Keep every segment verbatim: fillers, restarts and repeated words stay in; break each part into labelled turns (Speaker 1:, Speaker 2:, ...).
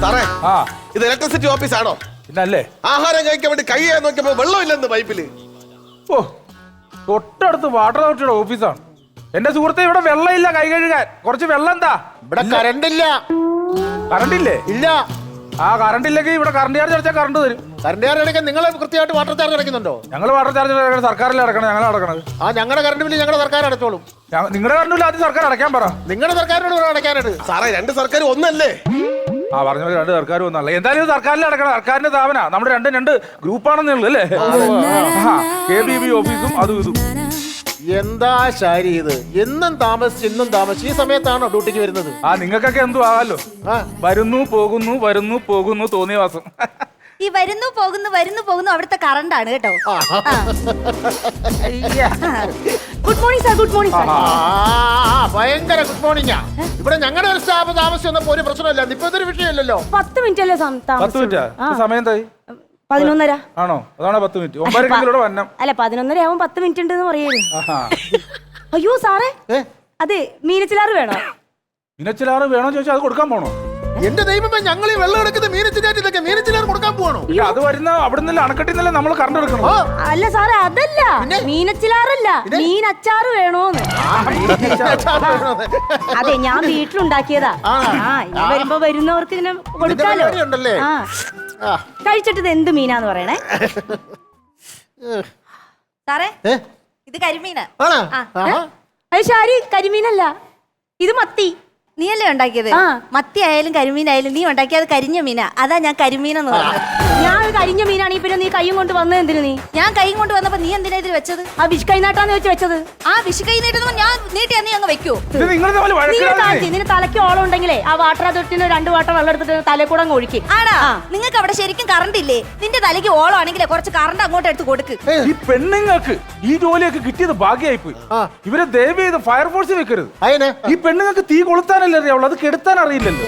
Speaker 1: സാറേ
Speaker 2: ആ
Speaker 1: ഇത് ഇലക്ട്രിസിറ്റി ഓഫീസ് ആണോ?
Speaker 2: പിന്നല്ലേ.
Speaker 1: ആഹാരം കഴിക്കാൻ വേണ്ടി കൈ ചെയ്യാൻ നോക്കിയപ്പോ വെള്ളമില്ലെന്ന് പൈപ്പില്.
Speaker 2: ഓ തൊട്ടടുത്ത് വാട്ടർ അതോറിറ്റിയുടെ ഓഫീസാണ്. എന്റെ സുഹൃത്തെ, ഇവിടെ വെള്ളമില്ല കൈ കഴുകാൻ. കുറച്ച് വെള്ളം എന്താ?
Speaker 3: ഇവിടെ കറണ്ട് ഇല്ല.
Speaker 2: കറണ്ട് ഇല്ലേ?
Speaker 3: ഇല്ല.
Speaker 2: ആ കറണ്ട് ഇല്ലെങ്കിൽ ഇവിടെ കറണ്ട് ചാർജ് അടച്ചാൽ കറണ്ട് തരും.
Speaker 3: കറണ്ട് ചാർജ് അടയ്ക്കാൻ നിങ്ങൾ കൃത്യമായിട്ട് വാട്ടർ ചാർജ് അടയ്ക്കുന്നുണ്ടോ?
Speaker 2: ഞങ്ങൾ വാട്ടർ ചാർജ് സർക്കാരിൽ അടക്കണം. ഞങ്ങൾ അടക്കണത്.
Speaker 3: ആ ഞങ്ങളുടെ കറണ്ട് ബില്ല് ഞങ്ങളുടെ സർക്കാർ അടച്ചോളും.
Speaker 2: നിങ്ങളുടെ കറണ്ട് ബില്ല് ആദ്യം സർക്കാർ അടയ്ക്കാൻ പറ.
Speaker 3: നിങ്ങളുടെ സർക്കാരിനോട് അടയ്ക്കാനായിട്ട്.
Speaker 1: സാറേ രണ്ട് സർക്കാർ ഒന്നല്ലേ?
Speaker 2: ആ പറഞ്ഞ പോലെ രണ്ട് സർക്കാർ ഒന്നല്ല. എന്തായാലും സർക്കാരിൽ അടക്കണം. സർക്കാരിന്റെ സ്ഥാപന നമ്മുടെ രണ്ടും രണ്ട് ഗ്രൂപ്പാണെന്നേ ഉള്ളൂ അല്ലേ? കെ ബി ബി ഓഫീസും അതും ഇതും.
Speaker 3: എന്താ ശാരി ഇത്? എന്നും താമസിച്ച് എന്നും താമസിച്ച് ഈ സമയത്താണോ ഡ്യൂട്ടിക്ക് വരുന്നത്?
Speaker 2: ആ നിങ്ങൾക്കൊക്കെ എന്തു ആവാലോ. വരുന്നു പോകുന്നു വരുന്നു പോകുന്നു തോന്നിയ വാസം.
Speaker 4: ഈ വരുന്നു പോകുന്നു വരുന്നു പോകുന്നു അവിടുത്തെ കറണ്ടാണ് കേട്ടോ. Good morning sir. Good morning sir.
Speaker 3: ഭയങ്കര ഗുഡ് മോർണിംഗാ. ഇവിടെ ഞങ്ങളുടെ ഒരു സ്റ്റാഫ് താമസിച്ച് വന്നപ്പോ ഒരു പ്രശ്നമില്ല. ഇപ്പൊ ഇതൊരു വിഷയമില്ലല്ലോ.
Speaker 4: പത്ത് മിനിറ്റ് അല്ലേ
Speaker 2: പത്ത് മിനിറ്റാ സമയം എന്തായി?
Speaker 4: പതിനൊന്നര
Speaker 2: ആണോ? അതാണോ പത്ത് മിനിറ്റ്? ഒമ്പതരക്കിലൂടെ വന്നം.
Speaker 4: അല്ല പതിനൊന്നര ആവും പത്ത് മിനിറ്റ് ഉണ്ടെന്ന് പറയുന്നു. അയ്യോ സാറേ, അതെ മീനച്ചിലാറ് വേണോ?
Speaker 2: മീനച്ചിലാറ് വേണോ ചോദിച്ചാൽ അത് കൊടുക്കാൻ പോണോ?
Speaker 3: എന്റെ ദൈവമേ, ഞങ്ങൾ ഈ വെള്ളം എടുക്കുന്നത് മീനച്ചിലാറ്റ് ഇതൊക്കെ മീനച്ചിലാറ് കൊടുക്കാൻ പോകണോ?
Speaker 2: അത് വരുന്ന അവിടെ നിന്നല്ല, അണക്കെട്ടിൽ നിന്നല്ലേ നമ്മൾ കറണ്ട് എടുക്കണം.
Speaker 4: അല്ല സാറേ, അതല്ല മീനച്ചിലാറല്ല, മീനച്ചാറ് വേണോന്ന്. അതെ, ഞാൻ വീട്ടിലുണ്ടാക്കിയതാ. ആ ഇനി വരുമ്പോ വരുന്നവർക്ക് ഇങ്ങനെ കൊടുക്കാലോ. ആ കഴിച്ചിട്ട് ഇത് എന്ത് മീനാന്ന് പറയണേ സാറേ. ഇത് കരിമീനാ. അത് ശാരി, കരിമീനല്ല, ഇത് മത്തി. നീയല്ലേ ഉണ്ടാക്കിയത്? മത്തി ആയാലും കരിമീനായാലും നീ ഉണ്ടാക്കിയത് കരിഞ്ഞ മീനാ. അതാ ഞാൻ കരിമീനെന്ന് പറഞ്ഞത്. ഞാൻ കരിഞ്ഞ മീനാണെങ്കിൽ പിന്നെ നീ കൈയും കൊണ്ട് വന്നത് എന്തിനു? നീ ഞാൻ കൈയും കൊണ്ട് വന്നപ്പോ നീ എന്തിനാ ഇതിൽ വെച്ചത്? ആ വിഷ് കൈ നാട്ടാന്ന് വെച്ച് വെച്ചത്. ആ വിഷ് കൈ നീട്ടുമ്പോ ഞാൻ നീട്ടി നീ അങ്ങ് വെക്കൂ. നിന്റെ തലയ്ക്ക് ഓളം ഉണ്ടെങ്കിലേ ആ വാട്ടർ അതോറിറ്റിന് രണ്ട് വാട്ടർ വെള്ളം എടുത്തിട്ട് തലയിൽ കൂടെ അങ്ങ് ഒഴിക്കും. ആടാ, നിങ്ങൾക്ക് അവിടെ ശരിക്കും കറണ്ട് ഇല്ലേ? നിന്റെ തലയ്ക്ക് ഓളം ആണെങ്കിലേ കുറച്ച് കറണ്ട് അങ്ങോട്ട് എടുത്ത് കൊടുക്ക്.
Speaker 2: ഈ പെണ്ണുങ്ങൾക്ക് ഈ ജോലിയൊക്കെ കിട്ടിയത് ഭാഗ്യമായി പോയി. ഇവരെ ദയവ് ചെയ്ത് ഫയർഫോഴ്സ് വെക്കരുത്. ഈ പെണ്ണുങ്ങൾക്ക് തീ കൊളുത്താൻ അറിയാവുള്ളൂ, അത് കെടുത്താൻ അറിയില്ലല്ലോ.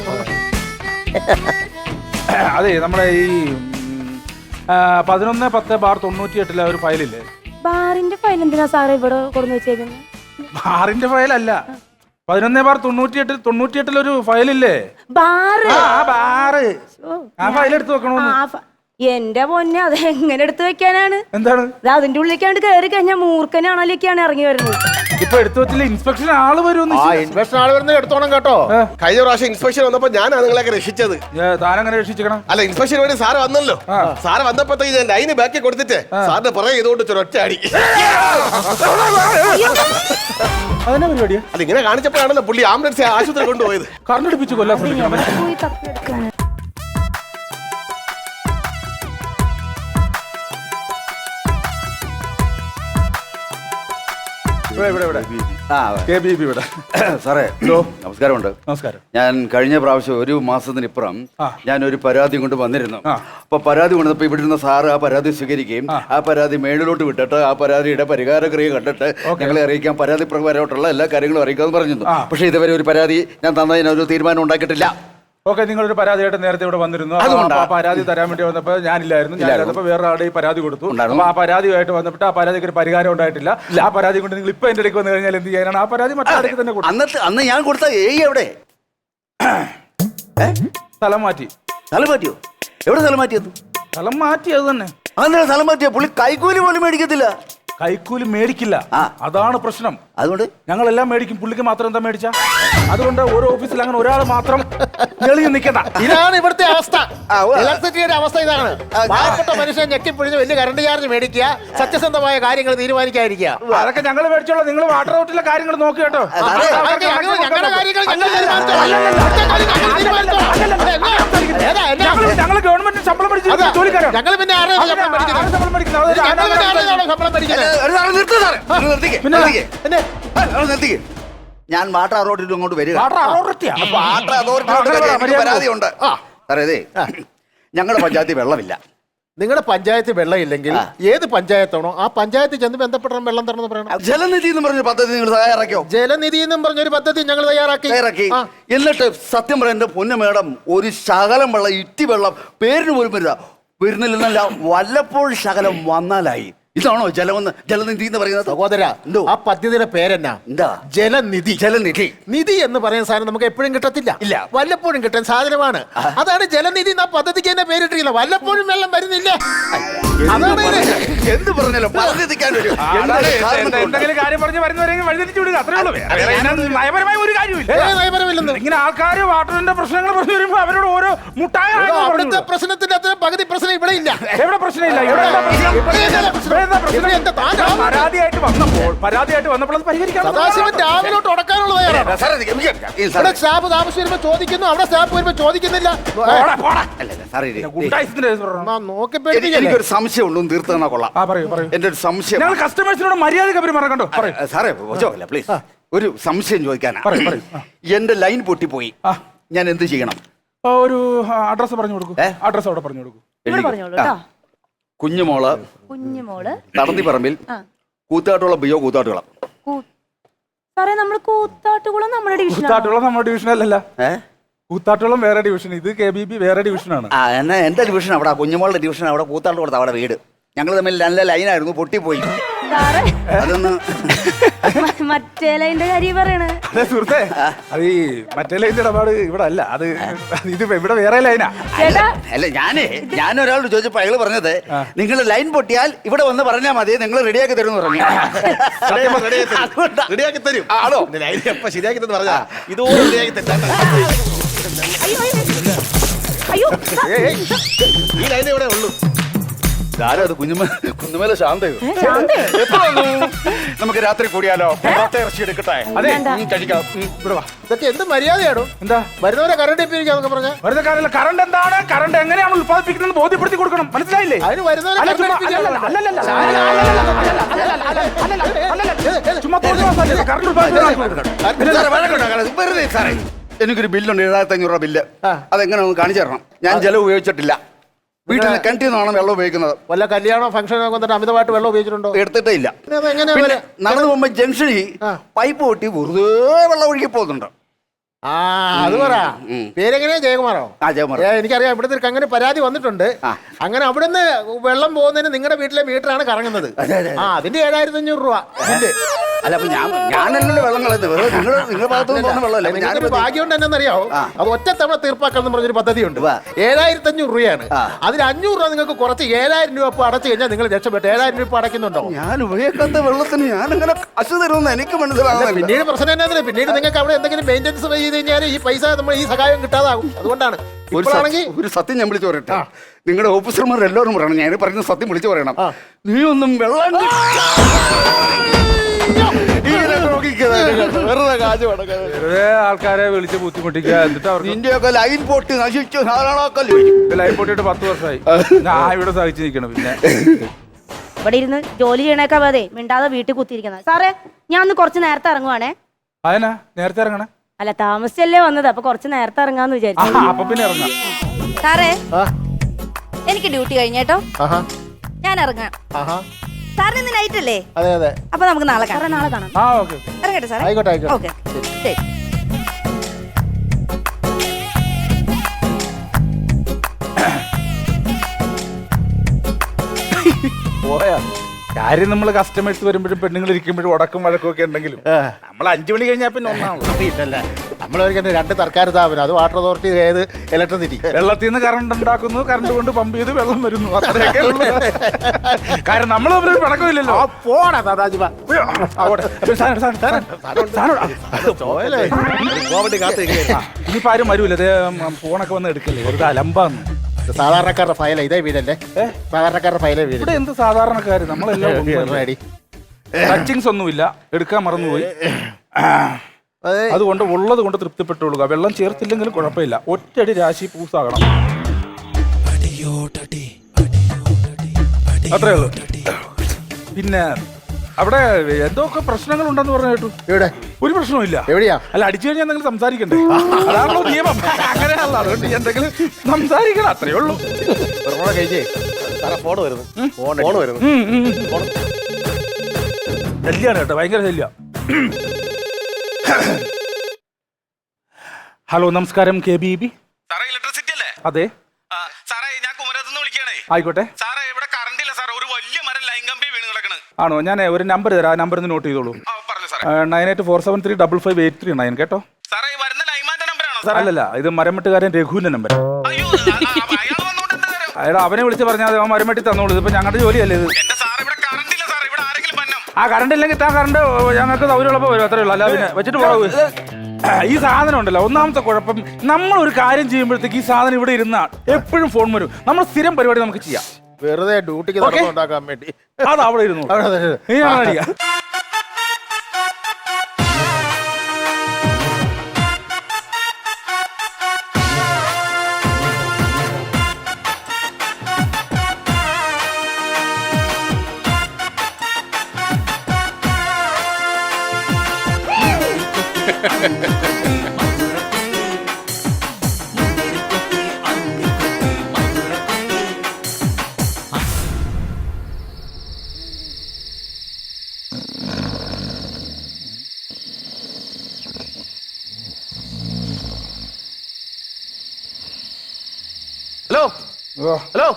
Speaker 2: അതെ, നമ്മുടെ ഈ പതിനൊന്ന് പത്ത് ബാർ തൊണ്ണൂറ്റി എട്ടിലെ ഒരു ഫയലില്ലേ?
Speaker 4: ബാറിന്റെ ഫയൽ എന്തിനാ സാറേ ഇവിടെ കൊടുന്ന് വെച്ചേക്കുന്നത്?
Speaker 2: ബാറിന്റെ ഫയലല്ല, പതിനൊന്ന് ബാർ തൊണ്ണൂറ്റി എട്ടിൽ തൊണ്ണൂറ്റി എട്ടിലൊരു ഫയലില്ലേ?
Speaker 4: ബാറ്.
Speaker 2: ആ ബാറ്, ആ ഫയൽ എടുത്ത് വെക്കണോന്ന്.
Speaker 4: എന്റെ പൊന്നെ, അത് എങ്ങനെ എടുത്തു വെക്കാനാണ്?
Speaker 2: എന്താണ്
Speaker 4: അതിന്റെ ഉള്ളിലേക്കാണ്ട് കയറി കഴിഞ്ഞാൽ മൂർഖനാണല്ലേക്കാണ് ഇറങ്ങി വരുന്നത്.
Speaker 2: ഇപ്പൊ എടുത്തു വെച്ചില്ല, ഇൻസ്പെക്ഷൻ ആള് വരുമെന്ന്.
Speaker 3: ഇൻസ്പെക്ഷൻ ആള് വരുന്നത് എടുത്തോണം കേട്ടോ.
Speaker 1: കഴിഞ്ഞ പ്രാവശ്യം ഇൻസ്പെക്ഷൻ വന്നപ്പോ ഞാനാ നിങ്ങളെയൊക്കെ രക്ഷിച്ചത്.
Speaker 2: താനങ്ങനെ രക്ഷിക്കണം.
Speaker 1: അല്ല, ഇൻസ്പെക്ഷൻ വേണ്ടി സാറ് വന്നല്ലോ. സാറ് വന്നപ്പോഴത്തേക്ക് ഞാൻ ലൈന് ബാക്കി കൊടുത്തിട്ട് സാറിന്റെ പുറകെ ചെയ്തുകൊണ്ട് ഒറ്റ അടി.
Speaker 2: അതിനെ പരിപാടിയാ?
Speaker 1: അത് ഇങ്ങനെ കാണിച്ചപ്പോഴാണല്ലോ പുള്ളി ആംബുലൻസ് ആശുപത്രി കൊണ്ടുപോയത്.
Speaker 2: കറണ്ടടിപ്പിച്ച് കൊല്ലാൻ ശ്രമിക്കണം.
Speaker 5: സാറേ നമസ്കാരമുണ്ട്.
Speaker 2: നമസ്കാരം.
Speaker 5: ഞാൻ കഴിഞ്ഞ പ്രാവശ്യം ഒരു മാസത്തിനിപ്പുറം ഞാൻ ഒരു പരാതി കൊണ്ട് വന്നിരുന്നു. അപ്പൊ പരാതി കൊണ്ടപ്പോ ഇവിടെ ഇരുന്ന സാറ് ആ പരാതി സ്വീകരിക്കുകയും ആ പരാതി മേളിലോട്ട് വിട്ടിട്ട് ആ പരാതിയുടെ പരിഹാരക്രിയ കണ്ടിട്ട് ഞങ്ങളെ അറിയിക്കാൻ പരാതി പ്രകാരമായിട്ടുള്ള എല്ലാ കാര്യങ്ങളും അറിയിക്കാമെന്ന് പറഞ്ഞിരുന്നു. പക്ഷെ ഇതുവരെ ഒരു പരാതി ഞാൻ തന്നതിനൊരു തീരുമാനം ഉണ്ടാക്കിയിട്ടില്ല.
Speaker 2: ഓക്കെ, നിങ്ങളൊരു പരാതിയായിട്ട് നേരത്തെ ഇവിടെ വന്നിരുന്നു. ആ പരാതി തരാൻ വേണ്ടി വന്നപ്പോ ഞാനില്ലായിരുന്നു. ഞാനിപ്പോ വേറെ ആളുടെ ഈ പരാതി കൊടുത്തു. അപ്പൊ ആ പരാതിയായിട്ട് വന്നപ്പോൾ ആ പരാതിക്ക് ഒരു പരിഹാരം ഉണ്ടായിട്ടില്ല. ആ പരാതി കൊണ്ട് നിങ്ങൾ ഇപ്പൊ എന്റെ ഇടയ്ക്ക് വന്നു കഴിഞ്ഞാൽ എന്ത് ചെയ്യാനാണ്? ആ പരാതി മറ്റേ തന്നെ കൊടുത്തു.
Speaker 5: അന്നത്തെ അന്ന് ഞാൻ കൊടുത്ത ഏയ് എവിടെ?
Speaker 2: സ്ഥലം മാറ്റി.
Speaker 5: സ്ഥലം മാറ്റിയോ? എവിടെ സ്ഥലം മാറ്റിയത്?
Speaker 2: സ്ഥലം മാറ്റി, അത് തന്നെ.
Speaker 5: അങ്ങനെ സ്ഥലം മാറ്റിയോ? പുള്ളി കൈക്കൂലി പോലും മേടിക്കത്തില്ല.
Speaker 2: കൈക്കൂലി മേടിക്കില്ല, അതാണ് പ്രശ്നം.
Speaker 5: അതുകൊണ്ട്
Speaker 2: ഞങ്ങളെല്ലാം മേടിക്കും, പുള്ളിക്ക് മാത്രം എന്താ മേടിച്ച? അതുകൊണ്ട് ഓരോ ഓഫീസിൽ അങ്ങനെ ഒരാൾ മാത്രം എളിഞ്ഞു നിൽക്കണ്ട.
Speaker 3: ഇതാണ് ഇവിടുത്തെ അവസ്ഥ. ഇലക്ട്രിസിറ്റിയുടെ അവസ്ഥ ഇതാണ്. പാവപ്പെട്ട മനുഷ്യൻ ഞെക്കിപ്പിടിച്ച് വലിയ കറണ്ട് ചാർജ് മേടിക്കുക, സത്യസന്ധമായ കാര്യങ്ങൾ തീരുമാനിക്കാതിരിക്കുക.
Speaker 2: അതൊക്കെ ഞങ്ങൾ മേടിച്ചോളൂ. നിങ്ങൾ വാട്ടർ ഔട്ടിലെ കാര്യങ്ങൾ നോക്കി കേട്ടോ. ഞങ്ങൾ ഗവൺമെന്റ് ശമ്പളം മേടിച്ചു ജോലിക്കാരാണ്.
Speaker 3: ഞങ്ങൾ പിന്നെ
Speaker 2: ശമ്പളം മേടിക്കുന്നത്
Speaker 5: ഞാൻ വാട്ടർ അതോറിറ്റി അങ്ങോട്ട് വരിക.
Speaker 2: വാട്ടർ
Speaker 5: അതോറിറ്റി പരാതിയുണ്ട് സാറേ. ഇതേ ഞങ്ങളുടെ പഞ്ചായത്തിൽ വെള്ളമില്ല.
Speaker 3: നിങ്ങളുടെ പഞ്ചായത്ത് വെള്ളം ഇല്ലെങ്കിൽ ഏത് പഞ്ചായത്താണോ ആ പഞ്ചായത്ത് ചെന്ന് ബന്ധപ്പെടണം, വെള്ളം തരണമെന്ന് പറയണം.
Speaker 5: ജലനിധി എന്ന് പറഞ്ഞ പദ്ധതി നിങ്ങൾ തയ്യാറാക്കിയോ?
Speaker 3: ജലനിധി എന്നും പറഞ്ഞൊരു പദ്ധതി ഞങ്ങൾ തയ്യാറാക്കി
Speaker 5: തയ്യാറാക്കി എന്നിട്ട് സത്യം പറയാം എന്റെ പൊന്നു മേഡം, ഒരു ശകലം വെള്ളം, ഇറ്റി വെള്ളം പേരിന് പോലും വരില്ല വരുന്നില്ലെന്നല്ല, വല്ലപ്പോഴും ശകലം വന്നാലായി. ഇതാണോ ജലമെന്ന് ജലനിധി എന്ന് പറയുന്നത്?
Speaker 3: സഹോദര
Speaker 5: എന്തോ?
Speaker 3: ആ പദ്ധതിയുടെ പേരെന്നാ?
Speaker 5: എന്താ?
Speaker 3: ജലനിധി.
Speaker 5: ജലനിധി.
Speaker 3: നിധി എന്ന് പറയുന്ന സാധനം നമുക്ക് എപ്പോഴും കിട്ടത്തില്ല.
Speaker 5: ഇല്ല.
Speaker 3: വല്ലപ്പോഴും കിട്ടുന്ന സാധനമാണ്. അതാണ് ജലനിധി എന്ന പദ്ധതിക്ക് തന്നെ പേരിട്ടിരിക്കുന്നത്. വല്ലപ്പോഴും വെള്ളം വരുന്നില്ല. അതാണ് ഇത്.
Speaker 5: എന്ത് പറഞ്ഞാലും പദ്ധതിക്കാൻ ഒരു
Speaker 2: അതാണ് എന്ത് എന്തെങ്കിലും കാര്യം പറഞ്ഞ് വരുന്നവരെങ്കിൽ വഴിതിരിച്ചു വിടുക, അത്രേ ഉള്ളൂ. വേറെ അതിനകത്ത് നയപരമായ ഒരു കാര്യമില്ല.
Speaker 3: ഏ, നയപരമില്ലെന്ന്.
Speaker 2: ഇങ്ങനെ ആൾക്കാർ വാട്ടറിന്റെ പ്രശ്നങ്ങൾ പറഞ്ഞു വരുമ്പോ അവരോട് ഓരോ മുട്ടായ
Speaker 3: എടോ, അവിടുത്തെ പ്രശ്നത്തിന്റെ അത്ര പകുതി പ്രശ്നം ഇവിടെ ഇല്ല.
Speaker 2: എവിടെ പ്രശ്നമില്ല, ഇവിടെ എന്താ പ്രശ്നം?
Speaker 3: ഇവിടെ എന്താ പ്രശ്നം?
Speaker 2: ഇവിടെ എന്താ പ്രശ്നം?
Speaker 3: ഇവിടെ എന്താ താൻ രാവിലെ-
Speaker 2: പരാതിയായിട്ട് വന്നപ്പോൾ പരാതിയായിട്ട് വന്നപ്പോൾ അത് പരിഹരിക്കാൻ
Speaker 3: സദാശിവൻ രാവിലോട്ട് ഉടക്കാനുള്ള തയ്യാറാണ്. ഇവിടെ സ്റ്റാഫ് താമസിച്ച് വരുമ്പോ ചോദിക്കുന്നു, അവിടെ സ്റ്റാഫ് വരുമ്പോ ചോദിക്കുന്നില്ല.
Speaker 2: ഗുണ്ടായിസത്തിന്റെ
Speaker 3: ആ, നോക്കി പേടിപ്പിക്കല്ലേ.
Speaker 5: എനിക്കൊരു സംശയം ഉണ്ടോ, തീർത്ത് തന്നാ കൊള്ളാം.
Speaker 2: ആ പറയൂ പറയൂ.
Speaker 5: എന്റെ ഒരു സംശയം.
Speaker 2: ഞങ്ങൾ കസ്റ്റമേഴ്സിനോട് മര്യാദ പെരുമാറാൻ കണ്ടോ? പറയൂ
Speaker 5: ആ, സാറേ ചോദിക്കല്ല പ്ലീസ്. ഒരു സംശയം ചോദിക്കാനാ.
Speaker 2: പറയൂ പറയൂ. ആ.
Speaker 5: എന്റെ ലൈൻ പൊട്ടിപ്പോയി,
Speaker 2: ആ.
Speaker 5: ഞാൻ എന്ത് ചെയ്യണം?
Speaker 2: ആ, ഒരു അഡ്രസ് പറഞ്ഞു കൊടുക്കൂ.
Speaker 5: ഏ?
Speaker 2: അഡ്രസ് അവിടെ പറഞ്ഞു കൊടുക്കൂ.
Speaker 4: ഇവിടെ പറഞ്ഞോളൂ കേട്ടോ.
Speaker 5: കുഞ്ഞുമോള്
Speaker 4: കുഞ്ഞുമോള്
Speaker 5: തടന്നിപ്പറമ്പിൽ
Speaker 4: ആ.
Speaker 5: കൂത്താട്ടുള്ള ബിയോ കൂത്താട്ടുകുളം.
Speaker 4: കൂ- സാറേ നമ്മള് കൂത്താട്ടുകുളം നമ്മുടെ ഡിവിഷൻ
Speaker 2: കൂത്താട്ടുളം നമ്മുടെ ഡിവിഷൻ അല്ലല്ല.
Speaker 5: ഏ
Speaker 2: കൂത്താട്ടുളം വേറെ ഡിവിഷൻ, ഇത് കെ ബി ബി വേറെ ഡിവിഷനാണ്.
Speaker 5: ആ എന്നാ എന്റെ ഡിവിഷൻ അവിടെ, കുഞ്ഞുമോളുടെ ഡിവിഷൻ അവിടെ കൂത്താട്ടുകുളത്ത് അവിടെ വീട്. ഞങ്ങൾ തമ്മിൽ നല്ല ലൈനായിരുന്നു, പൊട്ടിപ്പോയി.
Speaker 4: സാറേ
Speaker 5: അതൊന്ന്
Speaker 4: മറ്റേ ലൈൻ്റെ കാര്യം പറയണേ.
Speaker 2: അതെ സുഹൃത്തെ, അത് ഈ മറ്റേ ലൈൻ്റെ ഇടപാട് ഇവിടെ അല്ല, അത് ഇത് ഇവിടെ വേറെ ലൈനാ.
Speaker 4: ചേട്ടാ
Speaker 5: അല്ല ഞാനേ ഞാൻ ഒരാളോട് ചോദിച്ചപ്പോ അയാള് പറഞ്ഞത് നിങ്ങൾ ലൈൻ പൊട്ടിയാൽ ഇവിടെ വന്ന് പറഞ്ഞാൽ മതി, നിങ്ങൾ റെഡിയാക്കി തരും പറഞ്ഞു.
Speaker 1: റെഡിയാക്കി തരും.
Speaker 5: ആണോ?
Speaker 1: എപ്പ ശരിയാക്കി തന്നെ പറഞ്ഞാ ഇതുപോലെ റെഡിയാക്കി തരാം.
Speaker 4: അയ്യോ അയ്യോ
Speaker 1: ഈ ലൈൻ ഇവിടെ ഉള്ളൂ.
Speaker 5: ആരോ അത് കുഞ്ഞുമ കുഞ്ഞുമേലെ ശാന്തയോ?
Speaker 4: ശാന്തയോ?
Speaker 5: എപ്പോ വന്നു? നമുക്ക് രാത്രി കൂടിയാലോ? പൊറോട്ട ഇറച്ചി എടുക്കട്ടെ?
Speaker 2: അതെ
Speaker 5: ഉം, കഴിക്കാം. ഉം, ഇവിടെ വാ.
Speaker 3: ഇതൊക്കെ എന്ത് മര്യാദയാണോ?
Speaker 2: എന്താ
Speaker 3: വരുന്നവരെ കറണ്ട് ഇപ്പിരിക്കാന്നൊക്കെ പറഞ്ഞ
Speaker 2: വെറുതെ കാര്യമില്ല. കറണ്ട് എന്താണ്, കറണ്ട് എങ്ങനെയാണ് ഉത്പാദിപ്പിക്കുന്നത് ബോധ്യപ്പെടുത്തി കൊടുക്കണം, മനസ്സിലായില്ലേ?
Speaker 3: അതിന് വരുന്നവരെ
Speaker 2: അല്ല,
Speaker 3: കറണ്ട്
Speaker 2: ചുമ്മാ-
Speaker 3: ഇപ്പിരിക്കാനല്ല.
Speaker 2: അല്ലല്ലല്ല, അല്ലല്ലല്ല, അല്ലല്ലല്ല, അല്ലല്ലല്ല, അല്ലല്ലല്ല, ചുമ്മാ തോന്നുന്ന ദിവസമല്ലേ കറണ്ട് ഉത്പാദിപ്പിക്കുന്നത്?
Speaker 5: സാറേ, വഴക്കുണ്ടാക്കരുത്. വെറുതെ സാറേ, എനിക്കൊരു ബില്ലുണ്ട്, ഏഴായിരത്തി അഞ്ഞൂറ് രൂപ ബില്ല്.
Speaker 3: ആ.
Speaker 5: അതെങ്ങനെ ഒന്ന് കാണിച്ചു തരണം. ഞാൻ ജലം ഉപയോഗിച്ചിട്ടില്ല, വീട്ടിൽ നിന്ന് കിണറ്റിൽ നിന്നാണ് വെള്ളം ഉപയോഗിക്കുന്നത്.
Speaker 3: വല്ല കല്യാണോ ഫംഗ്ഷനോ വന്നിട്ട് അമിതമായിട്ട് വെള്ളം ഉപയോഗിച്ചിട്ടുണ്ടോ?
Speaker 5: എടുത്തിട്ടേ ഇല്ല.
Speaker 3: പിന്നെ അത് എങ്ങനെയാ
Speaker 5: പിന്നെ
Speaker 3: വരെ?
Speaker 5: നടന്നു പോകുമ്പോ ജംഗ്ഷനിൽ
Speaker 3: ആ.
Speaker 5: പൈപ്പ് പൊട്ടി വെറുതെ വെള്ളം ഒഴുകി പോകുന്നുണ്ട്.
Speaker 3: ആ അത് പറ.
Speaker 5: ഉം.
Speaker 3: പേരെങ്ങനെയാ? ജയകുമാറോ?
Speaker 5: ആ ജയകുമാർ.
Speaker 3: ഏ, എനിക്കറിയാം. ഇവിടുത്തെ ഒരു അങ്ങനെ പരാതി വന്നിട്ടുണ്ട്.
Speaker 5: ആ.
Speaker 3: അങ്ങനെ അവിടുന്ന് വെള്ളം പോകുന്നതിന് നിങ്ങളുടെ വീട്ടിലെ മീറ്ററാണ് കറങ്ങുന്നത്.
Speaker 5: അതെ, അതെ.
Speaker 3: ആ അതിന്റെ ഏഴായിരത്തി അഞ്ഞൂറ് രൂപ ബില്ല്.
Speaker 5: അല്ല അപ്പൊ ഞാൻ ഞാനല്ലല്ലോ വെള്ളം കളയുന്നത്, നിങ്ങൾ നിങ്ങളുടെ ഭാഗത്തു നിന്ന് പോകുന്ന വെള്ളമല്ല. അപ്പൊ
Speaker 3: നിങ്ങൾക്കൊരു
Speaker 5: ഞാനിപ്പോ
Speaker 3: ഭാഗ്യം കൊണ്ട് എന്നറിയാവോ?
Speaker 5: ആ.
Speaker 3: അത് ഒറ്റ തവണ തീർപ്പാക്കൽ എന്ന് പറഞ്ഞൊരു പദ്ധതിയുണ്ട്.
Speaker 5: ഉവ്വ.
Speaker 3: ഏഴായിരത്തി അഞ്ഞൂറ് രൂപയാണ്.
Speaker 5: ആ.
Speaker 3: അതിൽ അഞ്ഞൂറ് രൂപ നിങ്ങൾക്ക് കുറച്ച് ഏഴായിരം രൂപ ഇപ്പൊ അടച്ചു കഴിഞ്ഞാൽ നിങ്ങൾ രക്ഷപ്പെട്ടു. ഏഴായിരം രൂപ അടയ്ക്കുന്നുണ്ടോ?
Speaker 5: ഞാൻ ഉപയോഗിക്കാത്ത വെള്ളത്തിന് ഞാൻ അങ്ങനെ അശു തരുമെന്ന് എനിക്ക് മനസ്സിലാവുന്നില്ല.
Speaker 3: പിന്നീട് പ്രശ്നം എന്നാ? പിന്നീട് നിങ്ങൾക്ക് അവിടെ എന്തെങ്കിലും മെയിൻ്റെനൻസ് ചെയ്ത് കഴിഞ്ഞാൽ ഈ പൈസ നമ്മൾ ഈ സഹായം കിട്ടാതാകും. അതുകൊണ്ടാണ്
Speaker 5: ഒരു
Speaker 3: ഇപ്പോഴാണെങ്കിൽ
Speaker 5: സത്യം- ഒരു സത്യം ഞാൻ വിളിച്ചു പറയട്ടെ. നിങ്ങളുടെ ഓഫീസർമാർ എല്ലാവരും പറയണം, ഞാൻ പറഞ്ഞ സത്യം വിളിച്ചു പറയണം.
Speaker 3: ആ.
Speaker 5: നീ ഒന്നും വെള്ളം ഇങ്ങനെ നോക്കിക്കതാ, വെറുതെ കാശ് കൊടുക്കാതെ.
Speaker 2: വെറുതെ ആൾക്കാരെ വിളിച്ച് ബുദ്ധിമുട്ടിക്കുക, എന്നിട്ട് അവർക്ക്
Speaker 5: നിന്റെയൊക്കെ ലൈൻ പൊട്ടി നശിച്ചു ധാരാളമൊക്കെ
Speaker 2: ലൈൻ പൊട്ടിയിട്ട് പത്ത് വർഷമായി ഞാൻ ഇവിടെ സഹിച്ചു നിൽക്കണം. പിന്നെ
Speaker 4: ഇവിടെ ഇരുന്ന് ജോലി ചെയ്യണേക്കാ അതെ മിണ്ടാതെ വീട്ടിൽ കുത്തിയിരിക്കുന്നത്. സാറേ ഞാൻ ഒന്ന് കുറച്ച് നേരത്തെ ഇറങ്ങുവാണേ.
Speaker 2: അതിനാ നേരത്തെ ഇറങ്ങണേ?
Speaker 4: അല്ല താമസിച്ചല്ലേ വന്നത്, അപ്പൊ കുറച്ച് നേരത്തെ ഇറങ്ങാന്ന്
Speaker 2: ആ,
Speaker 4: വിചാരിച്ചു.
Speaker 2: അപ്പൊ പിന്നെ ഇറങ്ങാം.
Speaker 4: സാറേ
Speaker 3: ആ,
Speaker 4: എനിക്ക് ഡ്യൂട്ടി കഴിഞ്ഞേട്ടോ,
Speaker 3: ആഹാ,
Speaker 4: ഞാൻ ഇറങ്ങാം.
Speaker 3: ആഹാ.
Speaker 4: സാറിന് ഇന്ന് നൈറ്റ് അല്ലേ?
Speaker 3: അതെ അതെ.
Speaker 4: അപ്പൊ നമുക്ക് നാളെ കാണാം. നാളെ കാണാം.
Speaker 2: ആ ഓക്കെ.
Speaker 4: ഇറങ്ങട്ടെ സാറേ?
Speaker 3: ആയിക്കോട്ടെ ആയിക്കോട്ടെ.
Speaker 4: ഓക്കെ ശരി.
Speaker 2: പോയാ കാര്യം നമ്മൾ കസ്റ്റമേഴ്സ് വരുമ്പോഴും പെണ്ണുങ്ങൾ ഇരിക്കുമ്പോഴും ഉടക്കും വഴക്കും ഒക്കെ ഉണ്ടെങ്കിലും
Speaker 3: ആ.
Speaker 2: നമ്മൾ അഞ്ചു മണി കഴിഞ്ഞാൽ പിന്നെ ഒന്നാണല്ലോ.
Speaker 3: ഇല്ലല്ലേ, നമ്മളൊരിക്കലും രണ്ട് സർക്കാർ സ്ഥാപനം, അത് വാട്ടർ അതോറിറ്റി, ഏത് ഇലക്ട്രിസിറ്റി.
Speaker 2: വെള്ളത്തിൽ നിന്ന് കറണ്ട് ഉണ്ടാക്കുന്നു, കറണ്ട് കൊണ്ട് പമ്പ് ചെയ്ത് വെള്ളം വരുന്നു, അത്രയൊക്കെ ഉള്ളൂ. കാര്യം നമ്മൾ തമ്മിൽ പിണക്കമില്ലല്ലോ.
Speaker 3: പോടാ സദാശിവ.
Speaker 1: ഗോവണ്ടി കാത്ത് നിൽക്കുകയായിരുന്നു.
Speaker 2: ഇനിയിപ്പോ ആരും വരൂല, അതേ ഫോണൊക്കെ വന്ന് എടുക്കല്ലേ, വെറുതെ അലമ്പാന്ന്.
Speaker 3: സാധാരണക്കാരുടെ ഫയല ഇതേ വീടല്ലേ? സാധാരണക്കാരുടെ ഫയലേ വീട്.
Speaker 2: ഇവിടെ എന്ത് സാധാരണക്കാര്, നമ്മളെല്ലാം ടച്ചിങ്സ് ഒന്നുമില്ല, എടുക്കാൻ മറന്നുപോയി.
Speaker 3: അതെ.
Speaker 2: അതുകൊണ്ട് ഉള്ളത് കൊണ്ട് തൃപ്തിപ്പെട്ടുകൊള്ളുക. വെള്ളം ചേർത്തില്ലെങ്കിലും കുഴപ്പമില്ല, ഒറ്റയടി രാശി പൂസാകണം, അത്രേ ഉള്ളൂ. പിന്നെ അവിടെ എന്തൊക്കെ പ്രശ്നങ്ങൾ ഉണ്ടെന്ന് പറഞ്ഞു കേട്ടു.
Speaker 3: എവിടെ?
Speaker 2: ഒരു പ്രശ്നവുമില്ല.
Speaker 3: എവിടെയാ?
Speaker 2: അല്ല അടിച്ചു കഴിഞ്ഞാൽ എന്തെങ്കിലും സംസാരിക്കണ്ടേ, അതാണല്ലോ നിയമം. അങ്ങനെയാണല്ലോ, അതുകൊണ്ട് എന്തെങ്കിലും സംസാരിക്കണം, അത്രേ ഉള്ളൂ.
Speaker 3: കഴിച്ചേ
Speaker 1: ഫോൺ വരുന്നു, ഫോൺ വരുന്നു.
Speaker 2: ഉം, ഉം. ശല്യാണ് കേട്ടോ, ഭയങ്കര ശല്യ. ഹലോ നമസ്കാരം, കെ ബി ബി.
Speaker 6: സാറേ ഇലക്ട്രിസിറ്റി അല്ലേ?
Speaker 2: അതെ
Speaker 6: ആ, സാറേ ഞാൻ കുമരകത്ത് നിന്ന് വിളിക്കണേ.
Speaker 2: ആയിക്കോട്ടെ.
Speaker 6: സാറേ ഇവിടെ കറണ്ട് ഇല്ല സാറേ, ഒരു വലിയ മരം ലൈൻ കമ്പി വീണ്
Speaker 2: ആണോ? ഞാൻ ഒരു നമ്പർ തരാം, ആ നമ്പർ ഒന്ന് നോട്ട് ചെയ്തോളൂ. Nine eight four seven three double five eight three nine കേട്ടോ. അല്ലല്ല, ഇത് മരമെട്ടുകാരൻ രഘുവിന്റെ നമ്പർ. അയാൾ അവനെ വിളിച്ച് പറഞ്ഞാൽ അവൻ മരമെട്ടി തന്നോളൂ. ഇതിപ്പോ ഞങ്ങളുടെ ജോലിയല്ലേ ഇത്. ആ കറണ്ട് ഇല്ലെങ്കിൽ ആ കറണ്ട് ഞങ്ങൾക്ക് സൗകര്യമുള്ളപ്പോൾ വരും, അത്രേ ഉള്ളൂ. അല്ല പിന്നെ വെച്ചിട്ട് പോകും. ഈ സാധനം ഉണ്ടല്ലോ, ഒന്നാമത്തെ കുഴപ്പം, നമ്മൾ ഒരു കാര്യം ചെയ്യുമ്പോഴത്തേക്ക് ഈ സാധനം ഇവിടെ ഇരുന്ന എപ്പോഴും ഫോൺ വരും. നമ്മൾ സ്ഥിരം പരിപാടി നമുക്ക് ചെയ്യാം,
Speaker 3: വെറുതെ ഡ്യൂട്ടിക്ക് ഉണ്ടാക്കാൻ വേണ്ടി.
Speaker 2: അത് അവിടെ ഇരുന്നു.
Speaker 1: ഹലോ ഹലോ,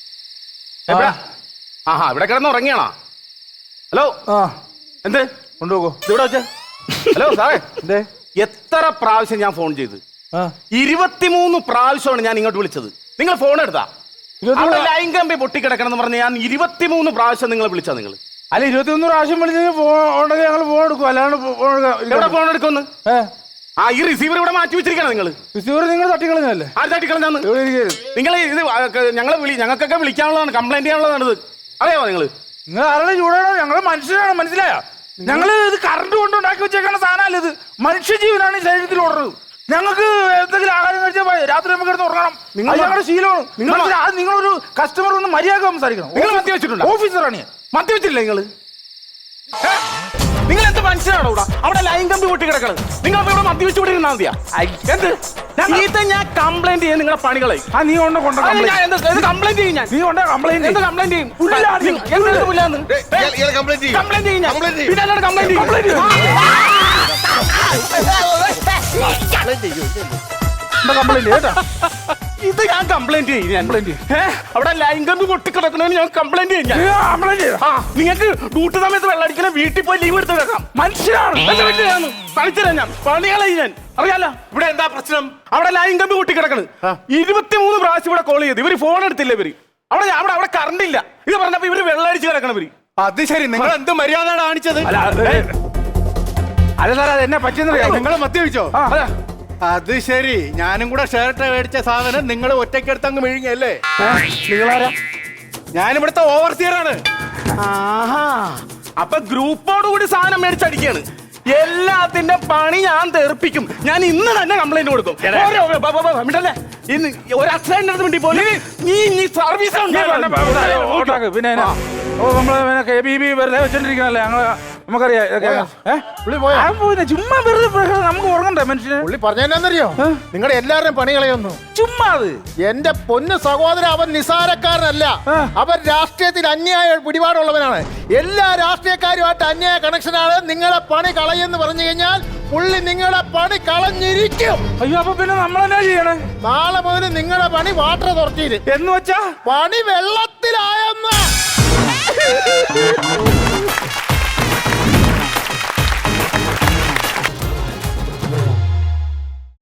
Speaker 1: ആഹാ ഇവിടെ കിടന്ന് ഉറങ്ങിയാണോ? ഹലോ, എന്ത്
Speaker 2: കൊണ്ടുപോകോ
Speaker 1: ഇവിടെ വെച്ചേ? ഹലോ സാറേ, എന്തേ എത്ര പ്രാവശ്യം ഞാൻ ഫോൺ ചെയ്ത്? ഇരുപത്തിമൂന്ന് പ്രാവശ്യമാണ് ഞാൻ ഇങ്ങോട്ട് വിളിച്ചത്. നിങ്ങൾ ഫോൺ എടുത്താ? ലൈൻ കമ്പി പൊട്ടിക്കിടക്കണം എന്ന് പറഞ്ഞ് ഞാൻ ഇരുപത്തിമൂന്ന് പ്രാവശ്യം നിങ്ങളെ വിളിച്ചാ? നിങ്ങൾ
Speaker 2: അല്ല, ഇരുപത്തിമൂന്ന് പ്രാവശ്യം വിളിച്ചെങ്കിൽ ഫോൺ ഞങ്ങൾ ഫോൺ എടുക്കും, അല്ലാണ്ട്
Speaker 1: എവിടെ ഫോൺ എടുക്കുമെന്ന്? ആ ഈ റിസീവർ ഇവിടെ മാറ്റി വെച്ചിരിക്കണം. നിങ്ങൾ
Speaker 2: റിസീവർ നിങ്ങൾ തട്ടിക്കളഞ്ഞല്ലേ?
Speaker 1: ആര് തട്ടിക്കളഞ്ഞാന്ന്? നിങ്ങൾ ഇത് ഞങ്ങളെ വിളി ഞങ്ങൾക്കൊക്കെ വിളിക്കാനുള്ളതാണ്, കംപ്ലൈന്റ് ചെയ്യാനുള്ളതാണ്. ഇത് അറിയാമോ നിങ്ങൾ?
Speaker 2: നിങ്ങൾ ആരുടെ ചൂടാണോ? ഞങ്ങൾ മനുഷ്യരാണ്, മനസ്സിലായോ? ഞങ്ങള് ഇത് കറണ്ട് കൊണ്ട് ഉണ്ടാക്കി വെച്ചേക്കുന്ന സാധനമല്ല ഇത്. മനുഷ്യജീവനാണ് ഈ ശരീരത്തിൽ ഓടുന്നത്. ഞങ്ങൾക്ക് എന്തെങ്കിലും ആഹാരം കഴിച്ചാൽ രാത്രി നമുക്ക് എടുത്ത് ഉറങ്ങണം. നിങ്ങൾ ഞങ്ങളുടെ ശീലമാണ്. നിങ്ങൾ അത് നിങ്ങളൊരു കസ്റ്റമർ ഒന്ന് മര്യാദ സംസാരിക്കണം.
Speaker 1: നിങ്ങൾ മദ്യ വെച്ചിട്ടുണ്ട്?
Speaker 2: ഓഫീസറാണ് ഞാൻ.
Speaker 1: മദ്യ വെച്ചില്ല നിങ്ങൾ? നിങ്ങൾ എന്ത് മനുഷ്യരാണോ ഇവിടെ? അവിടെ ലൈൻ കമ്പി പൊട്ടി കിടക്കണം. നിങ്ങൾ ഇവിടെ മദ്യ വെച്ച് ഇവിടെ ഇരുന്നാൽ മതിയാ? എന്ത് ഇത് ഞാൻ കംപ്ലൈന്റ് ചെയ്യാൻ നിങ്ങളെ പണികളെ?
Speaker 2: ആ നീ കൊണ്ട് കൊണ്ട്
Speaker 1: കംപ്ലൈന്റ് ചെയ്യും ഞാൻ.
Speaker 2: നീ കൊണ്ട് കംപ്ലൈന്റ്
Speaker 1: എന്ത് കംപ്ലൈന്റ് ചെയ്യും? കംപ്ലൈന്റ് ചെയ്യും കംപ്ലൈന്റ് ചെയ്യും പിന്നെ അല്ലാണ്ട് കംപ്ലൈന്റ്
Speaker 2: കംപ്ലൈന്റ് കേട്ടാ.
Speaker 1: ഇത് ഞാൻ കംപ്ലൈന്റ് ചെയ്യും. അവിടെ ലൈൻ കമ്പി പൊട്ടിക്കിടക്കണമെന്ന് ഞാൻ കംപ്ലൈന്റ് ചെയ്യും. നിങ്ങൾക്ക് ഡ്യൂട്ടി സമയത്ത് വെള്ളടിക്കണ വീട്ടിൽ പോയി ലീവ് എടുത്ത് വെക്കാം. മനുഷ്യരാണ് കളിച്ചരാ ഞാൻ പണികളെ ഞാൻ അറിയാലോ. ഇവിടെ എന്താ പ്രശ്നം? അവിടെ ലൈൻ കമ്പി പൊട്ടിക്കിടക്കണ്. ഇരുപത്തിമൂന്ന് പ്രാവശ്യം ഇവിടെ കോൾ ചെയ്ത് ഇവര് ഫോൺ എടുത്തില്ല. ഇവര് അവിടെ അവിടെ അവിടെ കറണ്ട് ഇല്ല. ഇത് പറഞ്ഞപ്പോ ഇവര് വെള്ളടിച്ച് കിടക്കണവര്.
Speaker 3: അത് ശരി, നിങ്ങൾ എന്ത് മര്യാദ കാണിച്ചത്?
Speaker 2: അല്ല സാർ, അത് എന്നെ പറ്റിയെന്നറിയാം.
Speaker 3: നിങ്ങൾ മദ്യപിച്ചോ? അത് ശരി, ഞാനും കൂടെ ഷർട്ട് മേടിച്ച സാധനം നിങ്ങൾ ഒറ്റയ്ക്കെടുത്ത് അങ്ങ് വിഴുങ്ങിയല്ലേ?
Speaker 2: നിങ്ങളാരാ?
Speaker 3: ഞാനിവിടുത്തെ ഓവർസിയറാണ്.
Speaker 1: ആഹാ, അപ്പൊ ഗ്രൂപ്പോട് കൂടി സാധനം മേടിച്ചടിക്കാണ്. എല്ലാത്തിന്റെ പണി ഞാൻ തെറിപ്പിക്കും. ഞാൻ ഇന്ന് തന്നെ കംപ്ലൈന്റ് കൊടുക്കും. ഇന്ന് ഒരു അക്സിഡന്റ് വേണ്ടി പോലും നീ സർവീസ്
Speaker 2: പിന്നെ കെ ബി ബി വെറുതെ വെച്ചോണ്ടിരിക്കണല്ലേ ഞങ്ങള്. നമുക്കറിയാം ചുമ്മാ വെറുതെ നമുക്ക് ഉറങ്ങണ്ടേ മനുഷ്യന്?
Speaker 3: പുള്ളി പറഞ്ഞറിയോ? നിങ്ങളുടെ എല്ലാവരുടെയും പണി കളയൊന്നു
Speaker 2: ചുമ്മാ. അത്
Speaker 3: എന്റെ പൊന്നു സഹോദരൻ, അവൻ നിസാരക്കാരനല്ല. അവൻ രാഷ്ട്രീയത്തിൽ അന്യായ പിടിപാടുള്ളവനാണ്. എല്ലാ രാഷ്ട്രീയക്കാരുമായിട്ട് അന്യായ കണക്ഷനാണ്. നിങ്ങളെ പണി കളയെന്ന് പറഞ്ഞു കഴിഞ്ഞാൽ പുള്ളി നിങ്ങളെ പണി കളഞ്ഞിരിക്കും.
Speaker 2: അയ്യോ, അപ്പൊ പിന്നെ നമ്മളെന്നാ ചെയ്യണേ?
Speaker 3: നാളെ മുതൽ നിങ്ങളുടെ പണി വാട്ടർ തുറച്ചിട്ട്
Speaker 2: എന്ന് വെച്ചാ
Speaker 3: പണി വെള്ളത്തിലായെന്ന്.